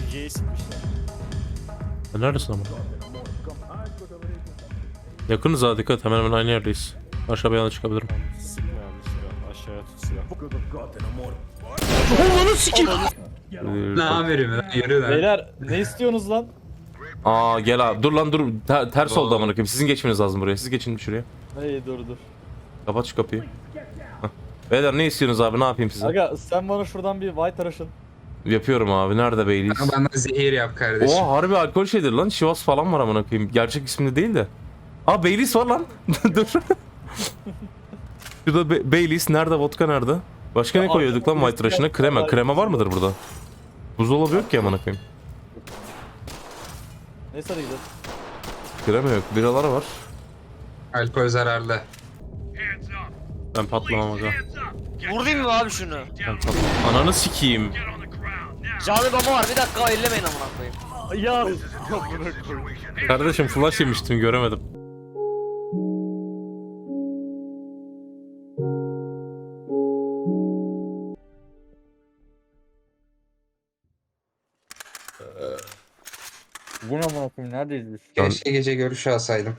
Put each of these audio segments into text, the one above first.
Ege'yi sikmişler. Neredesin ama? Yakınız ha, dikkat, hemen hemen aynı yerdeyiz. Aşağı bir yana çıkabilirim. Sıkma yanlışlıkla. Aşağıya tut silah. Onu sikeyim. Ne haberim ya? Yürü lan. Beyler ne istiyorsunuz lan? Aa gel abi, dur lan dur. Ters oldu amına koyayım. Sizin geçmeniz lazım buraya. Siz geçin şuraya. Hey dur. Kapat şu kapıyı. Hah. Beyler ne istiyorsunuz abi, ne yapayım size? Aga sen bana şuradan bir white araşın. Yapıyorum abi. Nerede Baileys? Bana zehir yap kardeşim. Oha, harbi alkol şeydir lan. Chivas falan var amına koyayım. Gerçek isminde değil de. Aa Baileys var lan. Dur. Şurada Baileys nerede? Vodka nerede? Başka ne Ya, koyuyorduk lan arkada white rush'ına? birisi Krema. var. Krema var mıdır burada? Buzdolabı yok ki amına koyayım. Neyse hadi gidelim. Krema yok. Biralar var. Alkol zararlı. Ben patlamam aga. Vurayım mı abi şunu? Ben patlamam. Ananı sikeyim. Canlı baba var, bir dakika ellemeyin amına koyayım. Ya Amına koyayım. Kardeşim flash yemiştim, göremedim. bu ne amına koyayım, neredeyiz biz? Keşke gece görüşü alsaydım.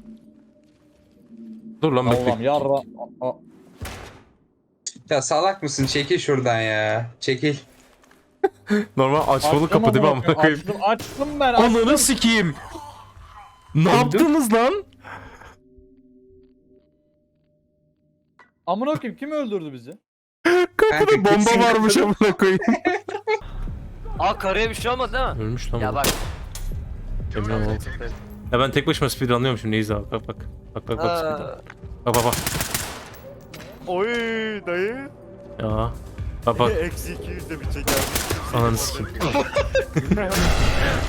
Dur lan Allah'ım bekle. yarra. Ya salak mısın? Çekil şuradan ya. Çekil. Normal açmalı kapı değil mi amına koyayım? Açtım ben. Ananı sikeyim. Ne yaptınız lan? Amına koyayım, kim öldürdü bizi? Kapıda bomba varmış amına koyayım. Aa karıya bir şey olmadı değil mi? Ölmüş lan Ya bu. bak. Emin ol. Ya ben tek başıma speedrunlıyorum şimdi, iyiyiz abi. Bak bak. Bak speedrun. Aa, Bak bak bak. Oy dayı. Ya. Bak bak. Eksi 200 de bir çeker. Ananı sikeyim.